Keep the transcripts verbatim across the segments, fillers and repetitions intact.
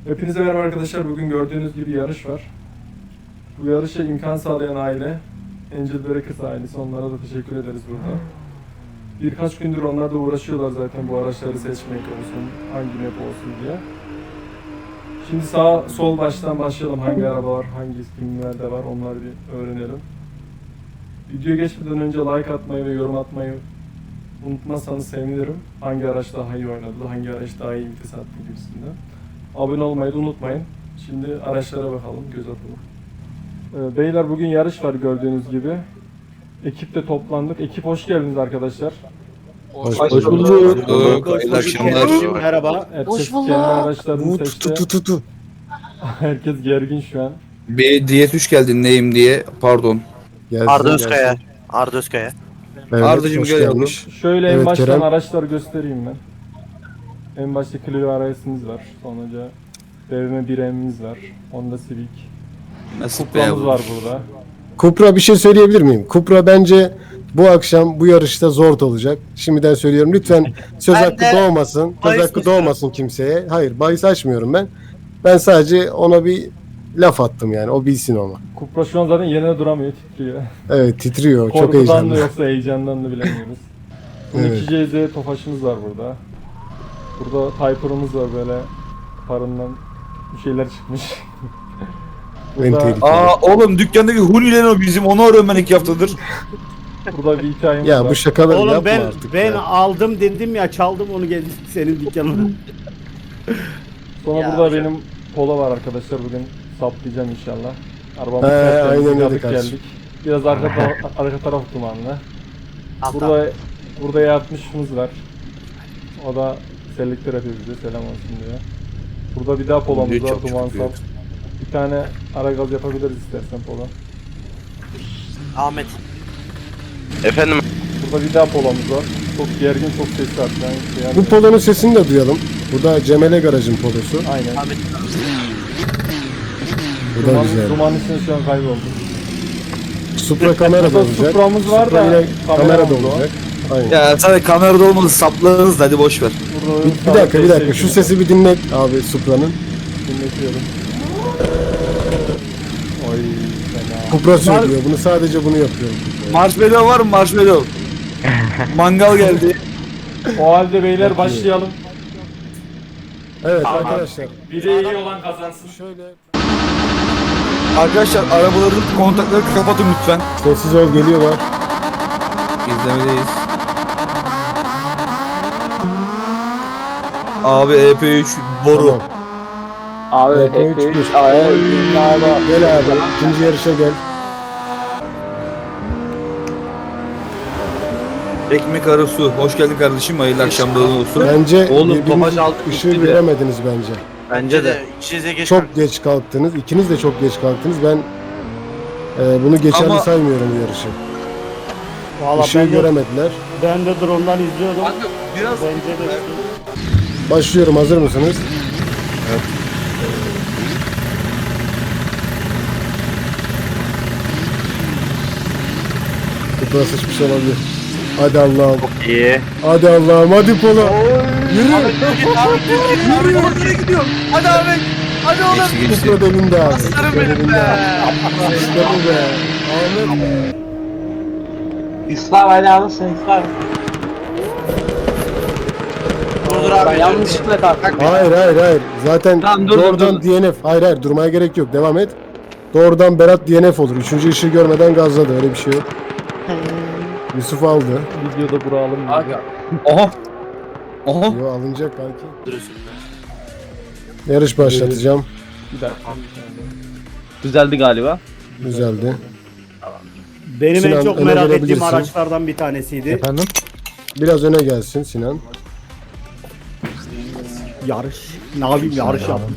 Hepinize merhaba arkadaşlar. Bugün gördüğünüz gibi yarış var. Bu yarışa imkan sağlayan aile Angel Breakers ailesi. Onlara da teşekkür ederiz burada. Birkaç gündür onlar da uğraşıyorlar zaten bu araçları seçmek olsun, hangi map olsun diye. Şimdi sağ sol baştan başlayalım. Hangi araba var, hangi kimlerde var onları bir öğrenelim. Videoya geçmeden önce like atmayı ve yorum atmayı unutmazsanız sevinirim. Hangi araç daha iyi oynadı, hangi araç daha iyi vites attı gibisinden. Abone olmayı da unutmayın. Şimdi araçlara bakalım, göz atalım. Ee, Beyler bugün yarış var gördüğünüz gibi. Ekiple toplandık. Ekip hoş geldiniz arkadaşlar. Hoş, Hoş hoş bulduk. bulduk. bulduk. Hayırlı akşamlar. Merhaba. Herkes kendi araçlarını Tu tu seçti. tu tu tu. Herkes gergin şu an. Bir diyet üç geldin neyim diye. Pardon. Gelsin, Arda Özkaya. gelsin. Arda Özkaya. Evet, Ardacığım hoş gel geldin. yavrum. Şöyle en Evet, baştan Kerem. araçları göstereyim ben. En başta Clio R S'imiz var. Sonra B M bir M'imiz var. Honda Civic. Nasip be Kupra'mız yavrum. var burada. Kupra bir şey söyleyebilir miyim? Kupra bence bu akşam bu yarışta zor olacak. Şimdiden söylüyorum. Lütfen söz Ben hakkı de doğmasın. Söz bahis hakkı açıyorum. doğmasın kimseye. Hayır, bahis açmıyorum ben. Ben sadece ona bir laf attım yani. O bilsin onu. Kupra şu an zaten yerine duramıyor, titriyor. Evet, titriyor. Çok Korkudan da heyecanlı. yoksa heyecandan da bilemiyoruz. Evet. iki C Z Tofaş'ımız var burada. Burada Typer'ımız var böyle parından bir şeyler çıkmış. En burada, tehlikeli. Aa oğlum dükkandaki Huni'len o bizim. Onu arıyorum ben iki haftadır. burada bir hikayemiz Ya var. bu şakaları Oğlum yapma ben artık ben ya. aldım dedim ya, çaldım onu, geldim senin dükkanına. Sonra Ya burada hocam. benim Polo var arkadaşlar, bugün saplayacağım inşallah. Arabamı He, tertemiz aynen öyle yıkadık kardeşim. geldik. Biraz arka, taraf, arka taraf dumanlı. Altta. Burada burada yatmışımız var. O da selektör yapıyor bize, selam olsun diye. Burada bir daha Polo'muz Büyük, var, çok, çok duman büyük. sap. Bir tane ara gaz yapabiliriz istersen Polo. Ahmet. Efendim Burada bir daha Polo'muz var. Çok gergin, çok sesli hatta. Yani, yani, Bu polonun sesini de duyalım. Bu da Cemele Garaj'ın polosu. aynen. Ahmet. Bu da Duman, güzel. duman içinde şu an kaybolduk. Supra kamera da Burada olacak. Supra'mız var Supra da yine kamera da kameramız da var. olacak. Aynen. Ya sadece kamerada olmadı saplarız da hadi boş ver. Burada Bir, bir dakika bir dakika şu sesi bir dinlet abi Supra'nın. dinletiyorum. Oy fena. Kupra söylüyor bunu, sadece bunu yapıyorum. Marshmallow var mı marshmallow? Mangal geldi. O halde beyler başlayalım. Evet arkadaşlar Biri iyi olan kazansın. şöyle Arkadaşlar arabaların kontakları kapatın lütfen. sessiz ol, geliyorlar. İzlemedeyiz. Abi E P üç boru. Tamam. abi E P üç hep bir. Gel abi ikinci yarışa gel. Ekmek arası. Hoş geldin kardeşim. Hayırlı akşamların olsun. Bence Oğlum, birbiriniz Tofaş altı ışığı bitti de. göremediniz bence. Bence de. İçinize geç. Çok geç kalktınız. İkiniz de çok geç kalktınız. Ben e, bunu geçerli Ama- saymıyorum bu yarışı. Valla Işığı ben de, göremediler. ben de drone'dan izliyordum. Biraz Bence de. Başlıyorum, hazır mısınız? Kupra sıçmış olabilir. Hadi Allah'ım. İyi. Hadi Allah'ım, hadi Polo. Yürü. nereye gidiyor? Hadi Ahmet. Hadi oğlum. Geçti geçti. Kupra delindi abi. Aslanım Kupra benim delindi be. abi. İşte bu be. Ahmet. İslam hadi alırsın İslam. Dur Ben abi. yanlışlıkla kalktım. Hayır hayır hayır. Zaten Tamam, dur, dur, doğrudan dur. D N F. Hayır hayır, durmaya gerek yok. Devam et. Doğrudan Berat D N F olur. Üçüncü ışığı görmeden gazladı. Öyle bir şey yok. Yusuf aldı. Videoda bura alın. Aga. Aha. Aha. Yo, alınacak belki. Duruyorsun. Yarış başlatacağım. Bir dakika. Düzeldi galiba. Güzeldi. Benim Sinan, en çok öne merak ettiğim verebilirsin. araçlardan bir tanesiydi. Efendim? Biraz öne gelsin Sinan. Yarış. Ne yapayım, yarış yaptım.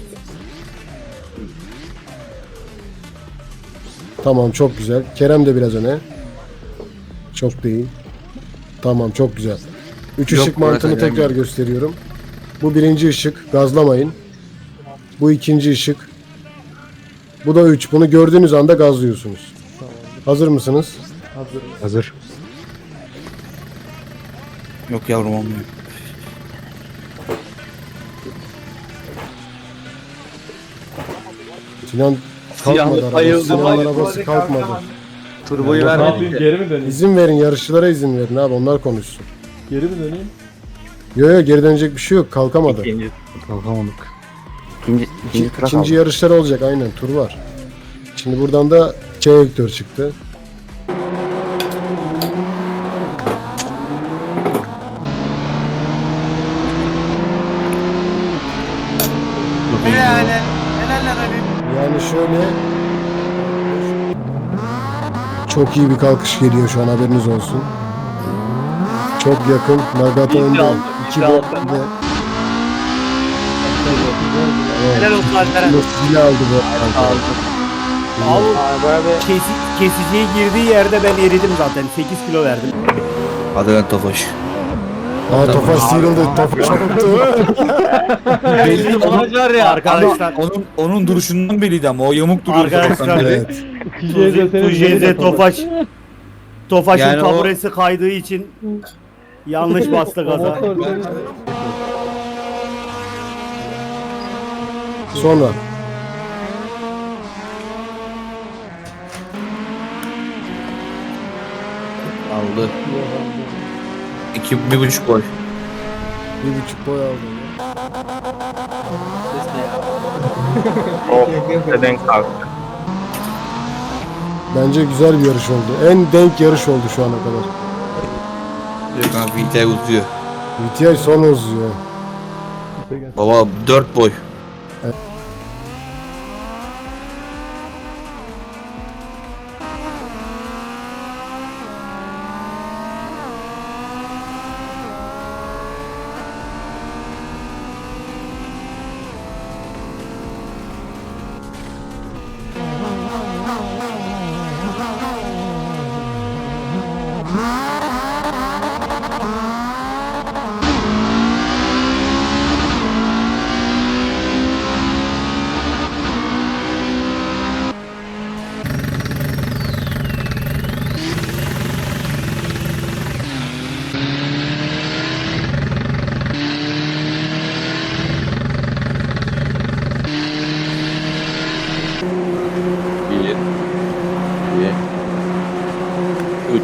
Tamam, çok güzel. Kerem de biraz öne. Çok değil. Tamam, çok güzel. Üç Yok, ışık mantığını bırakacağım. tekrar gösteriyorum. Bu birinci ışık. Gazlamayın. Bu ikinci ışık. Bu da üç. Bunu gördüğünüz anda gazlıyorsunuz. Hazır mısınız? Hazır. Yok yavrum olmuyor. Sinan kalkmadı Siyahlı arabası. bayıldı, Sinan bayıldı. arabası kalkmadı. Turboyu Ne vermedik yapayım ya. geri mi döneyim? İzin verin, yarışçılara izin verin abi, onlar konuşsun. Geri mi döneyim? Yo yo, geri dönecek bir şey yok, kalkamadı. İkinci. Kalkamadık. İkinci, İki, ikinci tura ikinci kaldı. yarışlar olacak, aynen, tur var. Şimdi buradan da K Vektör çıktı. Helal helal lan Ali. Yani şöyle çok iyi bir kalkış geliyor şu an, haberiniz olsun. Çok yakın. Nagata Bir önde. aldı, İki bir de aldı. önde. Helal olsun Alperen. Zili aldı bu arada. Abi kesi, kesiciye girdiği yerde ben eridim zaten. sekiz kilo verdim. Hadi lan Tofaş. Aa, Tofaş sıyrıldı. Tofaş koptu. Belli Tofaş var ya. Arkadaşlar, Onun onun duruşundan belliydi ama o yamuk duruyor. Arkadaşlar, sabahtan beri. Evet. Tujeze Tofaş. Tofaş'ın Yani o- taburesi kaydığı için yanlış bastı gaza. Sonra Aldı. İki, bir buçuk boy. bir buçuk boy aldı. Neden kalktı? Bence güzel bir yarış oldu. En denk yarış oldu şu ana kadar. Kanka V T I uzuyor. V T I son uzuyor. Baba dört boy. Bir, iki, üç.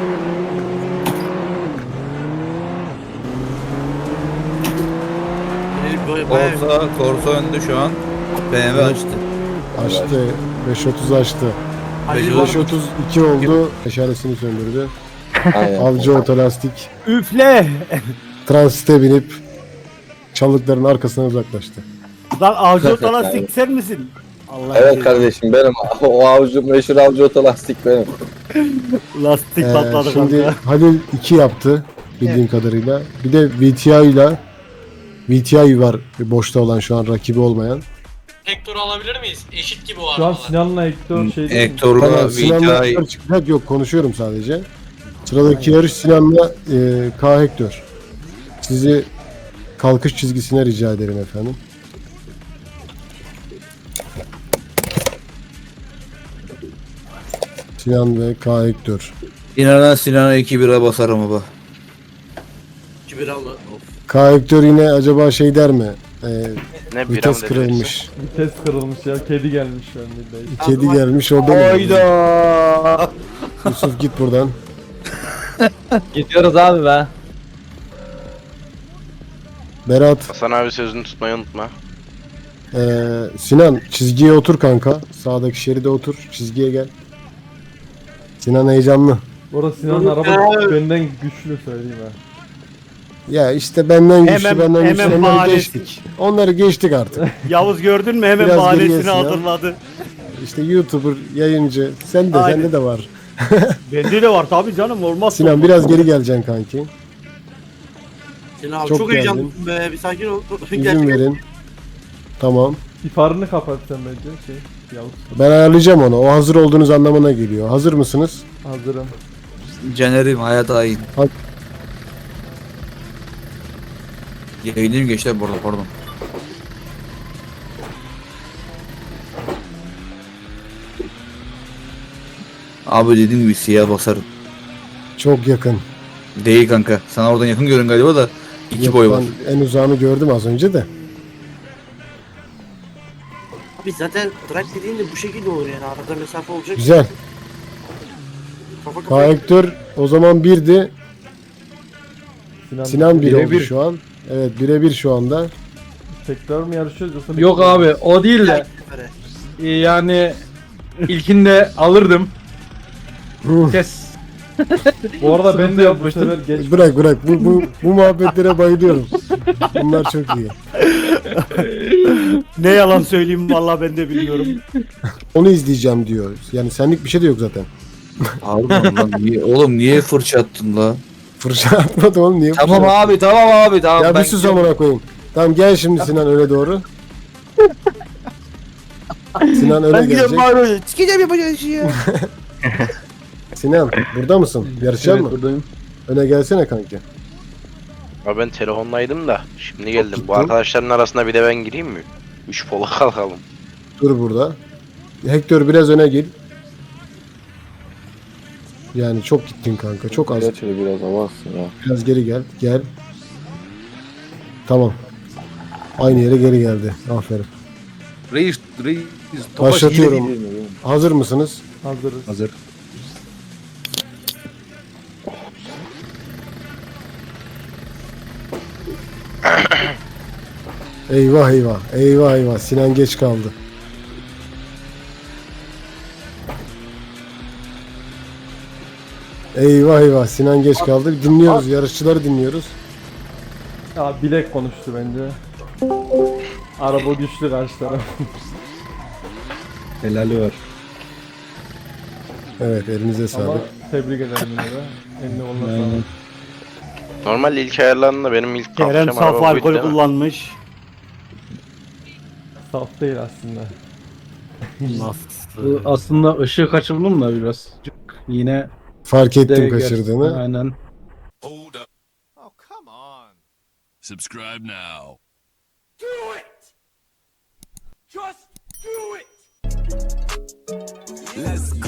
Corsa, Corsa önde şu an. B M W açtı. Açtı. beş otuz açtı. Ali beş otuz iki oldu. Meşalesini söndürdü. Aynen. Avcı otolastik. Üfle! Transite binip çalıkların arkasına uzaklaştı. Lan avcı otolastik sen misin? Allah Evet Allah. kardeşim benim. O avcı, meşhur avcı otolastik benim. Lastik Ee, patladı şimdi kanka. Halil iki yaptı bildiğim kadarıyla. Bir de V T I ile V T I var boşta olan, şu an rakibi olmayan. Hector'u alabilir miyiz? Eşit gibi o Şu an arabalar. Sinan'la Hector şey değil mi? Hector'la Tamam, V Sinan'la T I. Hector çıkacak, yok konuşuyorum sadece. Sıradaki yarış Sinan'la e, K Hector. Sizi kalkış çizgisine rica ederim efendim. Sinan ve K Hector. İnanan Sinan'a iki bira basarım baba. iki bir aldı. Of. K Hector yine acaba şey der mi? E, Ne vites kırılmış. Vites kırılmış ya. Kedi gelmiş şu an bir de. Kedi gelmiş, o benim. Hayda. Yusuf git buradan. Gidiyoruz abi be. Berat, Hasan abi sözünü tutmayı unutma. e, Sinan çizgiye otur kanka. Sağdaki şeride otur. Çizgiye gel. Sinan heyecanlı. Orada Sinan'ın araba benden güçlü söyleyeyim ha. Ya işte benden güçlü, Hemen- benden güçlü, hemen onları bahanesi. geçtik. Onları geçtik artık. Yavuz gördün mü hemen Biraz bahanesini geriyesin ya. hazırladı. İşte YouTuber, yayıncı, sen de, Aynen. sende de var. Bende de var tabii canım, olmaz. Sinan biraz geri geleceksin kanki. Sinan abi Çok çok, geldin. heyecanlısın be. Bir sakin ol. İzin verin. Tamam. İfarını kapat sen bence şey. Yavuz. Ben ayarlayacağım onu. O hazır olduğunuz anlamına geliyor. Hazır mısınız? Hazırım. Caner'im hayat hain. Hadi. Yayınlayayım gençler bu arada, pardon. Abi dediğim gibi siyah basarım. Çok yakın. Değil kanka. Sana oradan yakın görün galiba da iki Yok, boy var. ben en uzağını gördüm az önce de. Abi zaten track dediğin de bu şekilde olur yani. Arada mesafe olacak. Güzel. Kafa Kaan kafaya. Hector o zaman birdi. Sinan, Sinan bir Bire oldu bir. şu an. Evet birebir şu anda. tekrar mı yarışıyoruz yoksa Yok bekliyoruz? abi o değil de e, yani ilkinde alırdım. Kes. Bu arada ben de Yok, bu sefer yapmıştım. geç. Bırak bırak bu, bu, bu muhabbetlere bayılıyorum. Bunlar çok iyi. Ne yalan söyleyeyim vallahi ben de bilmiyorum. Onu izleyeceğim diyor. Yani senlik bir şey de yok zaten. Harbiden lan. Niye, oğlum niye fırça attın la? Fırça atmadı oğlum niye Tamam fırça attı? abi tamam abi tamam. Ya ben bir sus amına koyayım. Tamam gel şimdi Sinan öne doğru. Sinan öne Ben gidiyorum gelecek. Mario. Sikeceğim yapacağın işi ya. Sinan burada mısın? Yarışacak Evet mı? buradayım. Öne gelsene kanki. Abi ben telefondaydım da şimdi geldim. gittin. Bu arkadaşların arasında bir de ben gireyim mi? Üç pola kalkalım. Dur burada. Hector biraz öne gel. Yani çok gittin kanka. Çok az. Geç şöyle biraz avazsın ya. Biraz geri gel. Gel. Tamam. Aynı yere geri geldi. Aferin. Reis reis. Topaş Başlatıyorum. hile değil mi? Hazır mısınız? Hazırız. Hazır. Eyvah eyvah. Eyvah eyvah. Sinan geç kaldı. Eyvah eyvah. Sinan geç kaldı. Dinliyoruz. Yarışçıları dinliyoruz. Ya bilek konuştu bence. Araba güçlü karşı taraf. Helali var. Evet elinize Ama sağlık. tebrik ederim yine de. Eline koluna sağlık. Normal ilk ayarlarında benim ilk Kerem kalkacağım saf araba buydu alkol değil mi? kullanmış. Saf değil aslında. Nasıl? Aslında ışığı kaçırdım da biraz. Yine Fark ettim de kaçırdığını. Aynen. Hold up. Oh, come on. Subscribe now. Let's go.